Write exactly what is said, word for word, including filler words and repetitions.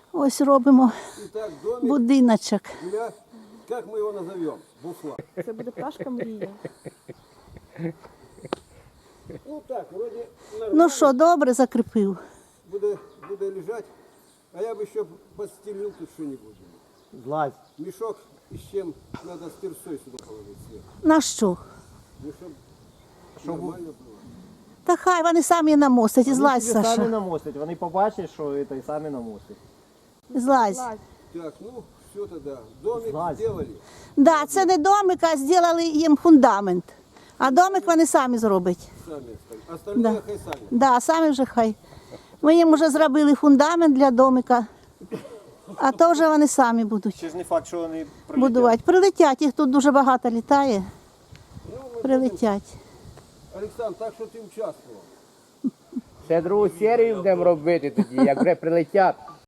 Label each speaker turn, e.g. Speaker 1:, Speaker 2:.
Speaker 1: Ось робимо
Speaker 2: Итак, домик
Speaker 1: будиночок.
Speaker 2: для, как мы его назовем? Бусла.
Speaker 3: Це буде пташка мрія.
Speaker 2: Ну так, вроде нормально.
Speaker 1: Ну що, добре закріпив?
Speaker 2: Буде, буде лежать. А я бы еще подстелил тут что-нибудь.
Speaker 4: Злазь.
Speaker 2: Мешок и с чем надо с тирсой сюда положить сверху.
Speaker 1: На що?
Speaker 2: Ну, чтобы нормально было.
Speaker 1: Та хай вони самі намостять. І злазь,
Speaker 4: Вони собі самі
Speaker 1: Саша.
Speaker 4: намостять, вони побачать, що це і самі намостять.
Speaker 1: Злазь.
Speaker 2: Так, ну, все тогда. Домик
Speaker 4: Злазь.
Speaker 2: сделали.
Speaker 1: Да, це не домик, а зробили їм фундамент. А домик вони самі зроблять.
Speaker 2: Сами остальные. Остальные
Speaker 1: Да.
Speaker 2: хай сами.
Speaker 1: Да, самі вже хай. Ми їм вже зробили фундамент для домика. А то вже вони самі будуть
Speaker 4: Ще ж не факт, що вони
Speaker 1: будувати. Прилетять, їх тут дуже багато літає.
Speaker 2: Ну, мы
Speaker 1: Прилетять.
Speaker 2: будем- Александр, так что ты участвовал.
Speaker 5: Ще другу серію будемо робити тоді, як вже прилетять.